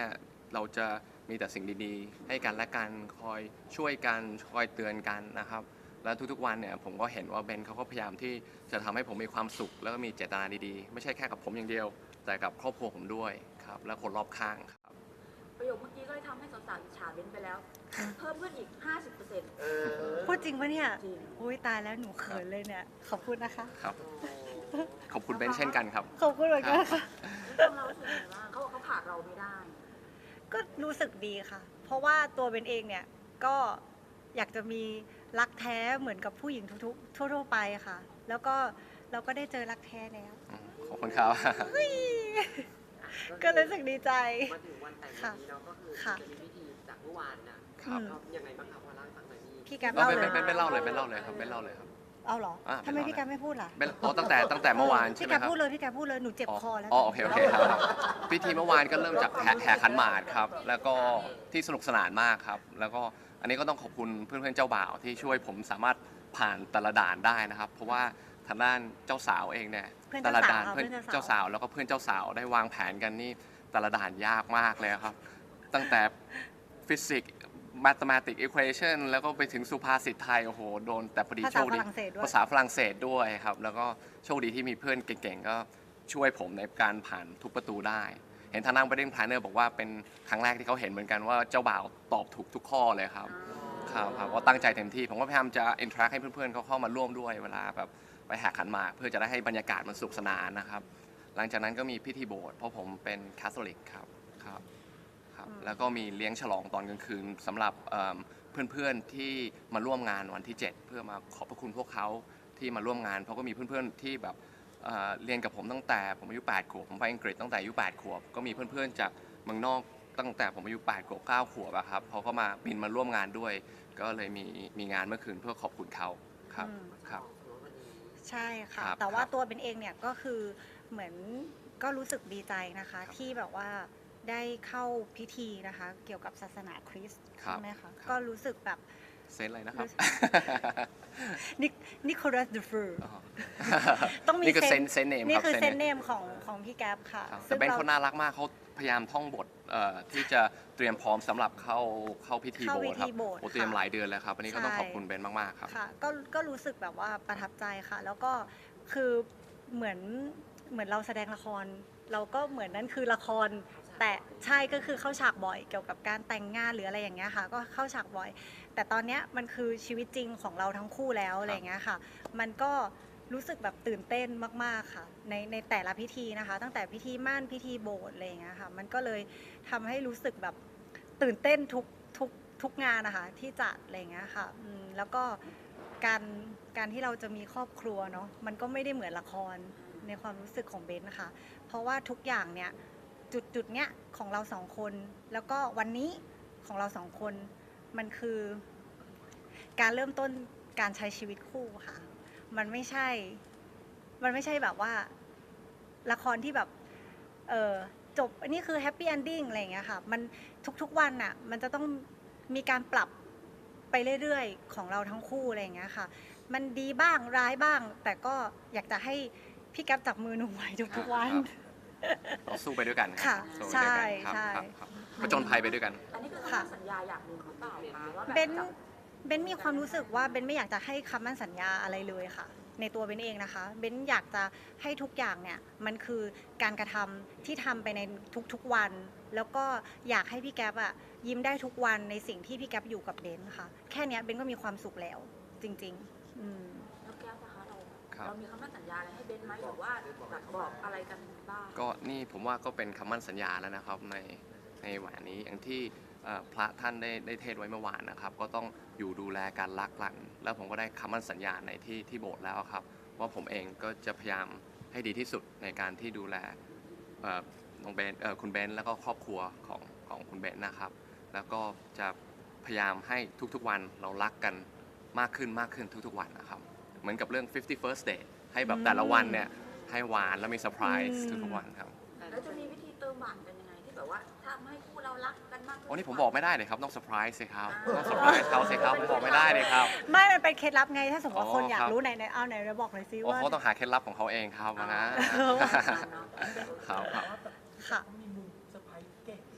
Speaker 2: เราจะมีแต่สิ่งดีๆ ให้กันและกันคอยช่วยกันคอยเตือนกันนะครับแล้วทุกๆวันเนี่ยผมก็เห็นว่าเบนเขาก็พยายามที่จะทำให้ผมมีความสุข แล้วก็มีเจตนาดีๆ ไม่ใช่แค่กับผมอย่างเดียว แต่กับครอบครัวผมด้วยครับและคนรอบข้างครับ
Speaker 4: ประโยคเมื่อกี้ก็เลยทำให้สาวๆอิจฉาเบนไปแล้ว เพิ่มขึ้นอีก ห้าสิบเปอร์เซ็นต์
Speaker 3: เออ
Speaker 1: พูดจริงปะเนี่ย
Speaker 4: จริง
Speaker 1: อุ้ยตายแล้วหนูเขินเลยเนี่ย ขอบคุณนะคะ
Speaker 2: ครับขอบคุณเบนเช่นกันครับ
Speaker 1: ขอบคุณเหมือนกันค่ะ
Speaker 4: ตรงเรารู้สึกยังไงบ้างเขาบอกเขาผ่านเราไม่ได้
Speaker 1: ก็รู้สึกดีค่ะ เพราะว่าตัวเบนเองเนี่ยก็อยากจะมีรักแท้เหมือนกับผู้หญิงทุกๆทั่วๆไปค่ะ แล้วก็เราก็ได้เจอรักแท้แล้ว
Speaker 2: ขอบคุณครับ
Speaker 1: ก็รู้สึกดีใจ
Speaker 3: มาถึงวันแต่งวันนี้เนาะก็คือ
Speaker 1: ค่ะ
Speaker 3: จะมีพิธีจากเมื่อวานนะครับ ก็ยังไงบ้างคะพอเล่าให้ฟังหน่อยนี่
Speaker 1: พี่แกม
Speaker 2: เรา
Speaker 1: เล่า
Speaker 2: เป็น
Speaker 1: เลย
Speaker 2: เป็นเป็นเล่าเลยเป็นเล่าเลยครับเป็นเล่าเลยครับ
Speaker 1: เอาเหรอ
Speaker 2: อ่ะ
Speaker 1: ทำไม
Speaker 2: เป็นเล่า
Speaker 1: พี่แกมไม่พูดล่ะ
Speaker 2: เป็นอ๋อตั้งแต่ตั้งแต่เมื่อวานใช่
Speaker 1: พี่
Speaker 2: ไหม
Speaker 1: แก
Speaker 2: ครับ
Speaker 1: พูดเลยพี่แกพูดเลยหนูเจ็บคอแล้ว
Speaker 2: อ๋อโอเคโอเคครับพิธีเมื่อวานก็เริ่มจากแห่แห่ขันหมากครับแล้วก็ที่สนุกสนานมากครับแล้วก็อันนี้ก็ต้องขอบคุณเพื่อนๆเจ้าบ่าวที่ช่วยผมสามารถผ่านแต่ละด่านได้นะครับ เพราะว่าทางด้านเจ้าสาวเองเนี่ย
Speaker 1: เพื่อน
Speaker 2: แต่
Speaker 1: เจ้า
Speaker 2: ละ
Speaker 1: สา
Speaker 2: ด่า
Speaker 1: วน ค่ะ
Speaker 2: เพื่อน
Speaker 1: เพื่อน
Speaker 2: เจ้า
Speaker 1: เจ้าสา
Speaker 2: สาว วแล้วก็เพื่อนเจ้าสาวได้วางแผนกันนี่แต่ละด่านยากมากเลยครับ ตั้งแต่ฟิสิกส์ mathematics equation แล้วก็ไปถึงสุภาษิตไทยโอ้โหโดนแต่พอดี
Speaker 1: ภา
Speaker 2: โช
Speaker 1: ษา
Speaker 2: ค
Speaker 1: ฝ
Speaker 2: ดี
Speaker 1: รั่งเศสด้วย
Speaker 2: ภาษาฝรั่งเศสด้วยครับแล้วก็โชคดีที่มีเพื่อนเก่งๆก็ช่วยผมในการผ่านทุกประตูได้ เห็นทางด้าน wedding planner บอกว่าเป็นครั้งแรกที่เขาเห็นเหมือนกันว่าเจ้าบ่าวตอบถูกทุกข้อเลยครับครับครับว่าตั้งใจเต็มที่ผมก็พยายามจะ interact ให้เพื่อนๆเขาเข้ามาร่วมด้วยเวลาแบบไปแหกขันหมากเพื่อจะได้ให้บรรยากาศมันสนุกสนานนะครับหลังจากนั้นก็มีพิธีโบสถ์เพราะผมเป็นคาทอลิกครับครับครับแล้วก็มีเลี้ยงฉลองตอนกลางคืนสำหรับเอิ่มเพื่อนๆที่มาร่วมงานวันที่ เจ็ด เพื่อมาขอบพระคุณพวกเขาที่มาร่วมงานเพราะก็มีเพื่อนๆที่แบบเอ่อเรียนกับผมตั้งแต่ผมอายุแปดขวบผมไปอังกฤษตั้งแต่อายุแปดขวบก็มีเพื่อนๆจากเมืองนอกตั้งแต่ผมอายุแปดขวบเก้าขวบอะครับเขาก็มาบินมาร่วมงานด้วย ก็เลยมีมีงานเมื่อคืนเพื่อขอบคุณเขาครับ
Speaker 1: อืม
Speaker 2: ครับ
Speaker 1: ใช่ค่ะ
Speaker 2: ครับ
Speaker 1: แต่ว่า
Speaker 2: ครับ
Speaker 1: ตัวเป็นเองเนี่ยก็คือเหมือนก็รู้สึกดีใจนะคะ
Speaker 2: ครับ
Speaker 1: ที่แบบว่าได้เข้าพิธีนะคะ เกี่ยวกับศาสนาคริสต์
Speaker 2: ครับ
Speaker 1: ใช่ไหมคะ
Speaker 2: ครับ
Speaker 1: ก็รู้สึกแบบ
Speaker 2: เซนอะไรนะครับ
Speaker 1: นินิโคลัสเดฟอร์
Speaker 2: อ๋อ
Speaker 1: ต้องมี
Speaker 2: นี่คือ
Speaker 1: เซ
Speaker 2: เซ
Speaker 1: น
Speaker 2: นเซนเนม
Speaker 1: นี่
Speaker 2: ครับ
Speaker 1: คือเซน
Speaker 2: น
Speaker 1: เนมของของพี่แก๊ปค่ะ
Speaker 2: ครับแต่
Speaker 1: ซึ่ง
Speaker 2: เบน
Speaker 1: เรา
Speaker 2: เขาน่ารักมากเขาพยายามท่องบทเอ่อที่จะเตรียมพร้อมสำหรับเข้าเข้าพิธี
Speaker 1: เข้า
Speaker 2: โบ
Speaker 1: พิ
Speaker 2: สถ์ครั
Speaker 1: ธี
Speaker 2: บ
Speaker 1: โบสถ์
Speaker 2: โอ้เตรียม
Speaker 1: ค่ะ
Speaker 2: หลายเดือนเลยครับอันนี้ก็ต้อง
Speaker 1: ใช่
Speaker 2: ขอบคุณเบนมากๆครับ
Speaker 1: ค่ะก็ก็รู้สึกแบบว่าประทับใจค่ะ แล้วก็คือเหมือนเหมือนเราแสดงละคร เราก็เหมือนนั่นคือละคร แต่ใช่ก็คือเข้าฉากบ่อยเกี่ยวกับการแต่งงานหรืออะไรอย่างเงี้ยค่ะ ก็เข้าฉากบ่อย แต่ตอนเนี้ยมันคือชีวิตจริงของเราทั้งคู่แล้วอะไรอย่างเงี้ยค่ะ มันก็รู้สึกแบบตื่นเต้นมากๆค่ะ ในในแต่ละพิธีนะคะ ตั้งแต่พิธีหมั่นพิธีโบสถ์อะไรอย่างเงี้ยค่ะ มันก็เลยทำให้รู้สึกแบบตื่นเต้นทุกทุกทุกงานนะคะที่จัดอะไรอย่างเงี้ยค่ะอืมแล้วก็การการที่เราจะมีครอบครัวเนาะมันก็ไม่ได้เหมือนละครในความรู้สึกของเบนนะคะ เพราะว่าทุกอย่างเนี่ยจุดจุดเนี้ยของเราสองคน แล้วก็วันนี้ของเราสองคนมันคือ การเริ่มต้นการใช้ชีวิตคู่ค่ะ มันไม่ใช่ มันไม่ใช่แบบว่าละครที่แบบ เออจบอันนี้คือแฮปปี้เอนดิ้งอะไรอย่างเงี้ยค่ะ มันทุกๆวันน่ะ มันจะต้องมีการปรับไปเรื่อยๆ ของเราทั้งคู่อะไรอย่างเงี้ยค่ะ มันดีบ้างร้ายบ้าง แต่ก็อยากจะให้พี่แก๊ปจับมือหนูไว้ทุกๆวัน
Speaker 2: เราสู้ไปด้วยกัน
Speaker 1: ค่ะ
Speaker 2: สู้ไปด้วยกัน
Speaker 1: ใช่
Speaker 2: ครับ
Speaker 1: ใช่
Speaker 2: ครับครับผจญภัยไปด้วยกัน
Speaker 4: อันนี้คือ
Speaker 1: ค่ะ
Speaker 4: คำสัญญาอย่างหนึ่งหรือเปล่าคะว่าแบบ
Speaker 1: เบน
Speaker 4: จะ
Speaker 1: เบนมีความรู้สึกว่าเบนไม่อยากจะให้คำมั่นสัญญาอะไรเลยค่ะ ในตัวเบนเองนะคะเบนอยากจะให้ทุกอย่างเนี่ยมันคือการกระทำที่ทำไปในทุกๆวัน แล้วก็อยากให้พี่แก๊ปอะยิ้มได้ทุกวันในสิ่งที่พี่แก๊ปอยู่กับเบนค่ะ แค่เนี้ยเบนก็มีความสุขแล้วจริงๆอืม
Speaker 4: แล้วแก้วนะคะเรา
Speaker 2: ครับ
Speaker 4: เรามีคำมั่นสัญญาอะไรให้เบนไหมหรือว่าแบบบอกอะไรกันบ้าง
Speaker 2: ก็นี่ผมว่าก็เป็นคำมั่นสัญญาแล้วนะครับในในแหวนนี้อย่างที่เอ่อพระท่านได้ได้เทศน์ไว้เมื่อวานนะครับ ก็ต้องอยู่ดูแลการรักกันแล้วผมก็ได้คำมั่นสัญญาในที่ที่โบสถ์แล้วครับว่าผมเองก็จะพยายามให้ดีที่สุดในการที่ดูแลเอ่อน้องเบนเอ่อคุณเบนแล้วก็ครอบครัวของของคุณเบนนะครับ แล้วก็จะพยายามให้ทุกๆวันเรารักกันมากขึ้นมากขึ้นทุกๆวันนะครับเหมือนกับเรื่อง fifty first date ให้แบบแต่ละวันเนี่ยให้หวานแล้วมีเซอร์ไพรส์
Speaker 1: อืม
Speaker 2: ทุกๆวันครับ
Speaker 4: แล้วจะมีวิธีเติมหวานกันยังไงที่แบบว่าทำให้คู่เรารักกันมากขึ้น
Speaker 2: โอ้นี่ผมบอกไม่ได้เลยครับต้องเซอร์ไพรส์สิครับต้องเซอร์ไพรส์เขาสิครับผมบอกไม่ได้เลยครับ
Speaker 1: ไม่มันเป็นเคล็ดลับไงถ้าสมมติว่า
Speaker 2: อ๋อ
Speaker 1: คนอยา
Speaker 2: ค
Speaker 1: ก
Speaker 2: รับ
Speaker 1: รู้ไหนไหนเอาไหนเราบอกหน่อยซิ
Speaker 2: โอ้
Speaker 1: ว่า
Speaker 2: เขาต้องหาเคล็ดลับของเขาเองครับนะ
Speaker 1: เออ
Speaker 2: ครับครับ
Speaker 1: ค่ะ
Speaker 5: มีมุมเซอร์ไพรส์เก่งอะไรอย่างเงี้ย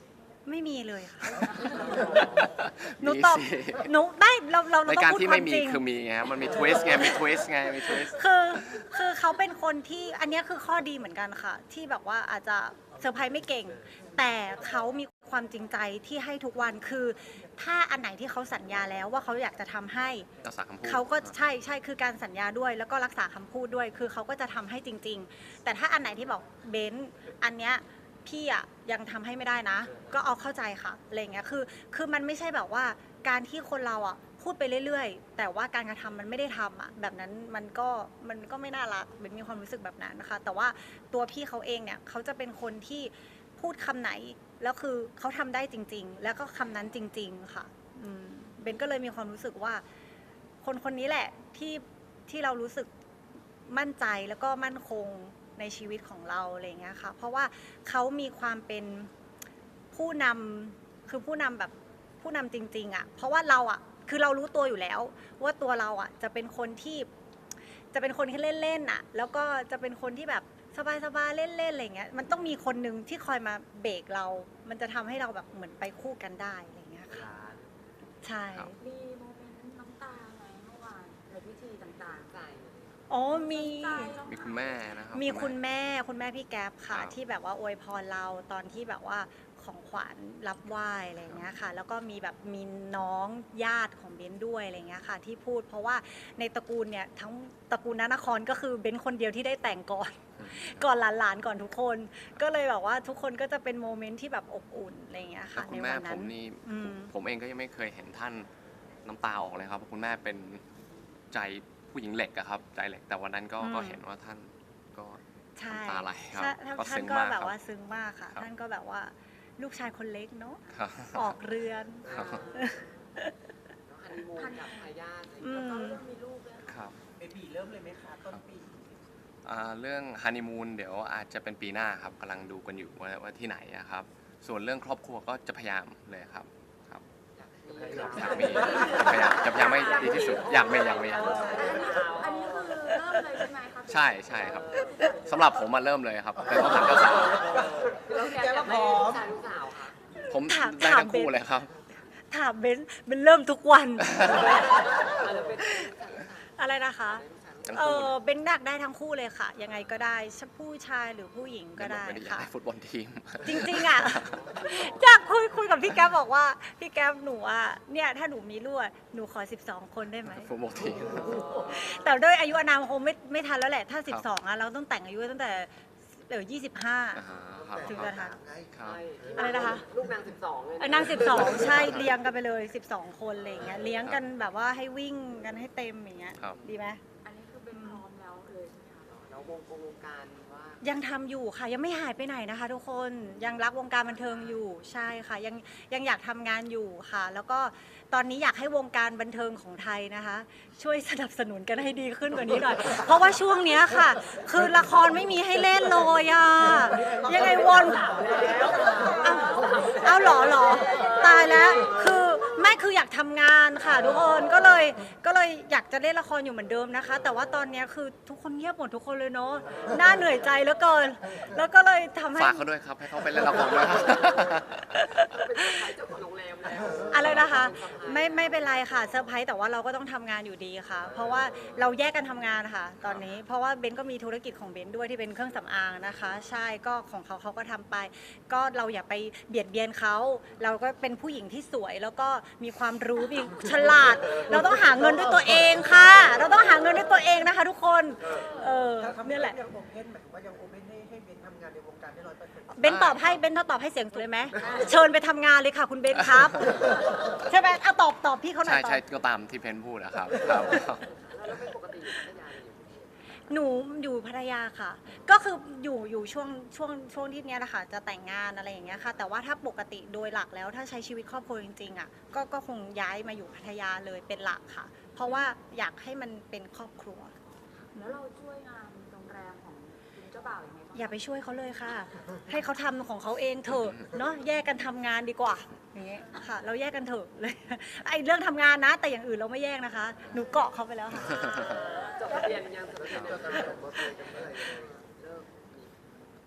Speaker 1: ไม่มีเลยค่ะ หนูตอบ
Speaker 2: มีสิ
Speaker 1: หนูได้เราเราเรา
Speaker 2: ราย
Speaker 1: ต้อ
Speaker 2: การ
Speaker 1: งพูด
Speaker 2: ที่
Speaker 1: ควา
Speaker 2: ไม่
Speaker 1: ม
Speaker 2: มี
Speaker 1: จริง
Speaker 2: คือมีไงมันมีทวิสต์ไงมีทวิสต์ไงมีทวิสต์
Speaker 1: คือคือเขาเป็นคนที่อันเนี้ยคือข้อดีเหมือนกันค่ะ ที่แบบว่าอาจจะเซอร์ไพรส์ไม่เก่ง แต่เขามีความจริงใจที่ให้ทุกวันคือ ถ้าอันไหนที่เขาสัญญาแล้วว่าเขาอยากจะทำให้
Speaker 2: รักษาคำพูด
Speaker 1: เขาก็ใช่ใช่คือการสัญญาด้วย แล้วก็รักษาคำพูดด้วย คือเขาก็จะทำให้จริง ๆ แต่ถ้าอันไหนที่บอกเบนซ์อันเนี้ยพี่อะยังทำให้ไม่ได้นะ ก็เอาเข้าใจค่ะอะไรเงี้ยคือคือมันไม่ใช่แบบว่าการที่คนเราอะพูดไปเรื่อยๆ แต่ว่าการกระทำมันไม่ได้ทำอะแบบนั้นมันก็มันก็ไม่น่ารักเบนมีความรู้สึกแบบนั้นนะคะ แต่ว่าตัวพี่เขาเองเนี่ยเขาจะเป็นคนที่พูดคำไหนแล้วคือเขาทำได้จริง ๆ แล้วก็คำนั้นจริง ๆ ค่ะอืมเบนก็เลยมีความรู้สึกว่า คนคนนี้แหละที่ที่เรารู้สึกมั่นใจแล้วก็มั่นคงในชีวิตของเราอะไรอย่างเงี้ยค่ะ เพราะว่าเขามีความเป็นผู้นำคือผู้นำแบบผู้นำจริงๆอ่ะ เพราะว่าเราอ่ะคือเรารู้ตัวอยู่แล้ว ว่าตัวเราอ่ะจะเป็นคนที่จะเป็นคนที่เล่นๆอ่ะ แล้วก็จะเป็นคนที่แบบสบายๆเล่นๆอะไรเงี้ยมันต้องมีคนหนึ่งที่คอยมาเบรกเรา มันจะทำให้เราแบบเหมือนไปคู่กันได้อะไรเงี้ยค่ะใช่
Speaker 2: ครับ
Speaker 4: มีโมเมนต์น้ำตาไหมเมื่อวานในพิธีต่าง
Speaker 3: ใจ
Speaker 1: อ๋อมี
Speaker 4: ๆ
Speaker 2: มีคุณแม่นะครับ
Speaker 1: มีคุณแม่คุณแม่พี่แก๊ปค่ะ
Speaker 2: ครับ
Speaker 1: ที่แบบว่าอวยพรเราตอนที่แบบว่าของขวัญรับไหว้อะไรอย่างเงี้ยค่ะ แล้วก็มีแบบมีน้องญาติของเบนด้วยอะไรเงี้ยค่ะ ที่พูดเพราะว่าในตระกูลเนี่ยทั้งตระกูลนนครก็คือเบนคนเดียวที่ได้แต่งก่อน ก่อนหลานๆก่อนทุกคน ก็เลยแบบว่าทุกคนก็จะเป็นโมเมนต์ที่แบบอบอุ่นอะไรเงี้ย
Speaker 2: แล้
Speaker 1: ค่ะ
Speaker 2: วคุ
Speaker 1: ใน
Speaker 2: ณแม่
Speaker 1: วัน
Speaker 2: ผ
Speaker 1: นั้น
Speaker 2: มนี่
Speaker 1: อืม
Speaker 2: ผมเองก็ยังไม่เคยเห็นท่านน้ำตาออกเลยครับเพราะคุณแม่เป็นใจผู้หญิงเหล็กอะครับใจเหล็กแต่วันนั้นก็
Speaker 1: อืม
Speaker 2: ก็เห็นว่าท่านก็
Speaker 1: ใช่
Speaker 2: น้ำตาไหลครับ
Speaker 1: ใช่
Speaker 2: ก็
Speaker 1: ท่า
Speaker 2: ซึ้
Speaker 1: น
Speaker 2: ง
Speaker 1: ก็
Speaker 2: มาก
Speaker 1: แบบ
Speaker 2: ครับ
Speaker 1: ว่าซึ้งมากค่ะ
Speaker 2: ครับ
Speaker 1: ท่านก็แบบว่าลูกชายคนเล็กเนาะ
Speaker 2: ครับ
Speaker 1: ออกเรือน
Speaker 2: ครับ
Speaker 3: แล้วฮันนีมูนกับทายาทอะไรอย่าง
Speaker 1: อื
Speaker 3: เงี้ย
Speaker 1: ม
Speaker 4: ก็เริ่มมีลูกแล้ว
Speaker 2: ครับ
Speaker 5: เบบีเริ่มเลยไหมคะต้นปี
Speaker 2: อ่าเรื่องฮันนีมูนเดี๋ยวอาจจะเป็นปีหน้าครับกำลังดูกันอยู่ว่าว่าที่ไหนอะครับ ส่วนเรื่องครอบครัวก็จะพยายามเลยครับครับ
Speaker 3: อยากมี
Speaker 2: อยากมีจะพยายามจะพยายามให้ดีที่สุดอยากมีอยากมีอยากมี
Speaker 4: อันนี้คือเริ่มเลยใช่ไหมคะ
Speaker 2: ใช่ใช่ครับสำหรับผมมาเริ่มเลยครับเป็นต้องถามเจ้าสาว
Speaker 3: แล้วแกอยากได้ลูกชายลูกสาวค่ะ
Speaker 2: ผม
Speaker 1: ถาม
Speaker 2: ได้
Speaker 1: ถาม
Speaker 2: ทั้งคู่
Speaker 1: เบน
Speaker 2: เลยครับ
Speaker 1: ถามเบนซ์เบนเริ่มทุกวัน
Speaker 3: อาจจะเป็นลูกชายลูกสาว
Speaker 1: อะไรนะคะ
Speaker 2: ทั้ง
Speaker 1: เอ
Speaker 2: คู่
Speaker 1: อเบนอยากได้ทั้งคู่เลยค่ะ ยังไงก็ได้ผู้ชายหรือผู้หญิงก็ได้
Speaker 2: ไม่ได้อยาก
Speaker 1: ค่ะ
Speaker 2: ได้ฟุตบอลทีม
Speaker 1: จริงๆอ่ะ จากคุยคุยกับพี่แก๊ปบอกว่าพี่แก๊ปหนูอ่ะเนี่ยถ้าหนูมีลูกอะหนูขอสิบสองคนได้ไหม
Speaker 2: ฟุตบอลทีม
Speaker 1: แต่ด้วยอายุอานามคงไม่ไม่ทันแล้วแหละ ถ้า
Speaker 2: ครับ
Speaker 1: สิบสองอ่ะเราต้องแต่งอายุตั้งแต่เดี๋ยวยี่สิบห้า
Speaker 2: อ่าฮะครับ
Speaker 1: ถึงจะทัน
Speaker 2: ครับ
Speaker 3: ใช่
Speaker 1: อะไรนะคะ
Speaker 3: ลูกนางสิบสองเลย
Speaker 1: เออนางสิบสองใช่เลี้ยงกันไปเลยสิบสองคนอะไรอย่างเงี้ยเลี้ยงกันแบบว่าให้วิ่งกันให้เต็มอย่างเงี้ย
Speaker 2: ครับ
Speaker 1: ดีไหม
Speaker 4: อันนี้คือเป็นพร้อมแล้วเลยใช่ไหมคะ
Speaker 3: แล้ววงกงวงการว่า
Speaker 1: ยังทำอยู่ค่ะยังไม่หายไปไหนนะคะ ทุกคนยังรักวงการบันเทิงอยู่ใช่ค่ะยังยังอยากทำงานอยู่ค่ะ แล้วก็ตอนนี้อยากให้วงการบันเทิงของไทยนะคะ ช่วยสนับสนุนกันให้ดีขึ้นกว่านี้หน่อย เพราะว่าช่วงเนี้ยค่ะ คือละครไม่มีให้เล่นเลยอ่ะยังไงวนเอาเอาเหรอเหรอตายแล้วคือไม่คืออยากทำงานค่ะทุกคนก็เลยก็เลยอยากจะเล่นละครอยู่เหมือนเดิมนะคะ แต่ว่าตอนเนี้ยคือทุกคนเงียบหมดทุกคนเลยเนาะน่าเหนื่อยใจเหลือเกิน แล้วก็เลยทำให้
Speaker 2: ฝากเขาด้วยครับให้เขาไปเล่นละครด้วยครับ
Speaker 3: เป็นสะพ้ายเจ้าของโรงแรมแล้ว
Speaker 1: อะไรนะคะ ไม่ไม่เป็นไรค่ะเซอร์ไพรส์แต่ว่าเราก็ต้องทำงานอยู่ดีค่ะ เพราะว่าเราแยกกันทำงานค่ะ ตอนนี้เพราะว่าเบนก็มีธุรกิจของเบนด้วยที่เป็นเครื่องสำอางนะคะ ใช่ก็ของเขาเขาก็ทำไป ก็เราอย่าไปเบียดเบียนเขาเราก็เป็นผู้หญิงที่สวย แล้วก็มีความรู้มีฉลาด เราต้องหาเงินด้วยตัวเองค่ะ เราต้องหาเงินด้วยตัวเองนะคะ ทุกคนเออ
Speaker 5: ถ้าทำ
Speaker 1: นี่แหละ
Speaker 5: ยังโอเพนหมายถึงว่ายังโอเพนให้ให้เบนทำงานในวงการได้ร้อยเปอร์เซ็นต์
Speaker 1: เบนตอบให้เบนถ้าตอบให้เสียงสวยไหมเชิญไปทำงานเลยค่ะ คุณเบนครับ ใช่ไหมเอาตอบตอบพี่เขาหน่
Speaker 2: ใช่
Speaker 1: อยตอ
Speaker 2: ใช่
Speaker 1: บ
Speaker 2: ก็ตามที่เพนพูดนะครับครับ
Speaker 3: แล้วเป็นปกติอยู่พัทยาอยู่
Speaker 1: หนูอยู่พัทยาค่ะ ก็คืออยู่อยู่ช่วงช่วงช่วงที่เนี้ยแหละค่ะจะแต่งงานอะไรอย่างเงี้ยค่ะ แต่ว่าถ้าปกติโดยหลักแล้วถ้าใช้ชีวิตครอบครัวจริงๆอ่ะก็ก็คงย้ายมาอยู่พัทยาเลยเป็นหลักค่ะ เพราะว่าอยากให้มันเป็นครอบครัว
Speaker 4: แล้วเราช่วยงานโรงแรมของคุณเจ้าบ่าวยังไงบ้าง
Speaker 1: อย่าไปช่วยเขาเลยค่ะ ให้เขาทำของเขาเองเถอะเนาะแยกกันทำงานดีกว่าอย่างเงี้ยค่ะ เราแยกกันเถอะเลย ไอ้เรื่องทำงานนะ แต่อย่างอื่นเราไม่แยกนะคะ หนูเกาะเขาไปแล้วค่ะ
Speaker 3: จดทะเบียนยังจดทะเบียนยังเลิกมี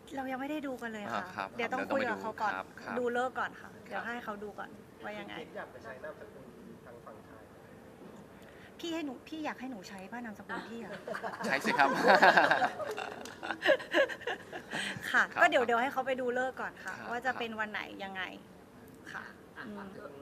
Speaker 1: เรายังไม่ได้ดูกันเลยค่ะ
Speaker 2: อ่าครับ
Speaker 1: เดี๋ยวต้อง
Speaker 2: เดี๋ยวต้อง
Speaker 1: คุยกับ
Speaker 2: ไปดู
Speaker 1: เขาก่อน
Speaker 2: ครับครับ
Speaker 1: ดูเลิกก่อนค่ะ เดี๋ยวให้เขาดูก่อนว่ายังไง
Speaker 5: เบนอยากไปใช้นามสกุลทางฝั่งไทย
Speaker 1: พี่ให้หนูพี่อยากให้หนูใช้ป้านามสกุลพี่อะ
Speaker 2: ใช่สิครับ
Speaker 1: ค่ะ
Speaker 2: ครับ
Speaker 1: ก็เดี๋ยวเดี๋ยวให้เขาไปดูเลิกก่อนค่ะ
Speaker 2: ครับ
Speaker 1: ว่าจะเป็นวันไหนยังไงค่ะ
Speaker 3: อ่ะ
Speaker 1: อื
Speaker 3: ฝาก
Speaker 1: ม
Speaker 3: ถึง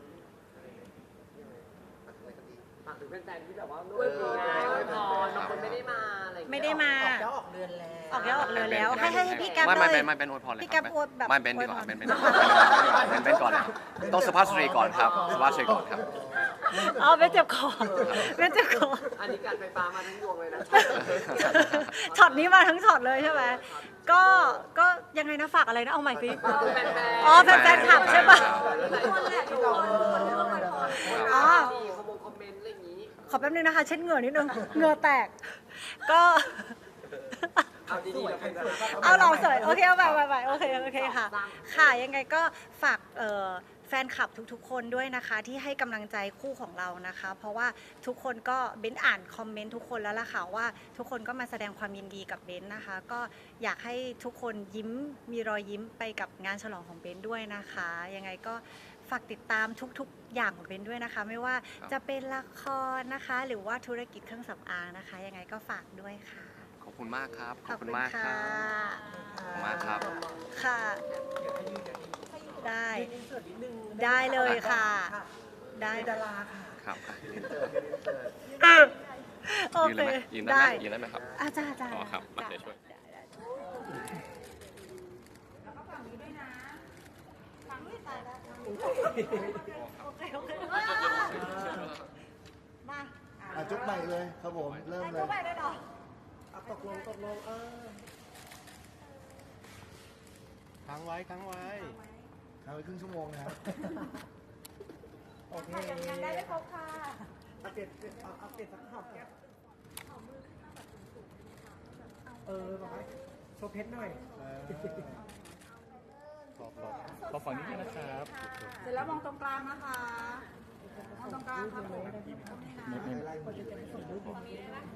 Speaker 3: ฝากถึงแฟนๆที่แบบว่าอวยพรอวยพรบางคนไม่ได้มาอะไรอย่างเงี้ย
Speaker 1: ไม่ได้มา
Speaker 5: ออกเย้าออกเรือนแล้ว
Speaker 1: ออกแล้วออกเลยแล้ว ให้ให้ให้พี่แก๊ป
Speaker 2: ไม่
Speaker 1: เล
Speaker 2: ไม่
Speaker 1: ย
Speaker 2: ไม่ไม่เป็นอวยพรเลย
Speaker 1: พี่
Speaker 2: ค
Speaker 1: แก๊
Speaker 2: รับ
Speaker 1: ปอวยแบบ
Speaker 2: ไม่เป็นดีกว่า
Speaker 1: อวยพร
Speaker 2: เป็นเป็นเป็นเป็นก่อนเลยต้องสุภาพสตรีก่อนครับสุภาพสตรีก่อนครับ
Speaker 1: อ๋อเป็นเจ็บคอเป็นเจ็บคอ
Speaker 3: อันนี้การไฟฟ้ามาทั้งยวงเลยนะ
Speaker 1: ช็อตนี้มาทั้งช็อตเลยใช่ไหมก็ก็ยังไงนะฝากอะไรนะเอาใหม่สิ
Speaker 3: ฝากถึงแฟนๆ
Speaker 1: อ๋อแฟนๆขับใช่ปะ
Speaker 3: หลายคนแหละทุกคนทุกคนเรื่องอวยพร
Speaker 1: อ๋อ
Speaker 3: ดีคอมมงคอมเมนต์อะไรอย่างนี้
Speaker 1: ขอแป๊บนึงนะคะ เช็ดเหงื่อนิดนึงเหงื่อแตก ก็
Speaker 3: เอาดีๆแล้วกันนะ
Speaker 1: เอาเราสวยโอเคเอาไปไปไปโอเคโอเคค่ะ ค่ะยังไงก็ฝากเอ่อแฟนคลับทุกๆ คนด้วยนะคะ ที่ให้กำลังใจคู่ของเรานะคะ เพราะว่าทุกคนก็เบ้นอ่านคอมเมนต์ทุกคนแล้วล่ะค่ะว่าทุกคนก็มาแสดงความยินดีกับเบ้นนะคะ ก็อยากให้ทุกคนยิ้มมีรอยยิ้มไปกับงานฉลองของเบ้นด้วยนะคะ ยังไงก็ฝากติดตามทุกๆ อย่างของเบ้นด้วยนะคะ ไม่ว่าจะเป็นละครนะคะ หรือว่าธุรกิจเครื่องสำอางนะคะ ยังไงก็ฝากด้วยค่ะ
Speaker 2: ขอบคุณมากครับ
Speaker 1: ขอบคุณ
Speaker 2: มากค
Speaker 1: ค่ะ
Speaker 2: รับ ขอบคุณมากครับ
Speaker 1: ค่ะ
Speaker 5: เดี๋ยวให้ยืนเดี๋ยวให้ยืน
Speaker 1: ได้
Speaker 5: ยืนอินเสิร์ตนิดนึง
Speaker 1: ได้เลยค่ะ ได้
Speaker 5: เป็นดาราค่ะ
Speaker 2: ครับ
Speaker 5: อินเสิร์ตอินเสิร์ต
Speaker 1: โอ
Speaker 2: ยืน
Speaker 1: เค
Speaker 2: ได้ไหมยืนได้
Speaker 1: ได้
Speaker 2: ไหมยืนได้ไหมครับ
Speaker 1: อาจารย์อาจารย์
Speaker 2: อ๋อครับมา
Speaker 1: จ้ะ
Speaker 2: เดี๋ยวช่วย
Speaker 1: ได้ได้โอเคโอเคมา
Speaker 6: อ่ะจุ๊บใหม่เลยครับผม เริ่ม
Speaker 1: ไอ้
Speaker 6: เล
Speaker 1: ก็
Speaker 6: ย
Speaker 1: ไปได้หรอ
Speaker 5: เอาตกลงตกลงเออ
Speaker 6: ค้างไว้ค้างไว้ค้างไว้ครึ่งชั่วโมงนะครับ
Speaker 5: โอเค
Speaker 1: ยังได้ไม่ครบค่ะ
Speaker 5: เอาเปลี่ยนเอาเอาเปลี่ยนสักหอบแก้มเออบอกให้โชว์เพชรหน่อย
Speaker 6: ขอขอขอฝั่งนี้ด้วยนะครับ
Speaker 4: เสร็จแล้วมองตรงกลางนะคะ มองตรงกลางครับผม
Speaker 6: ไม่ไม่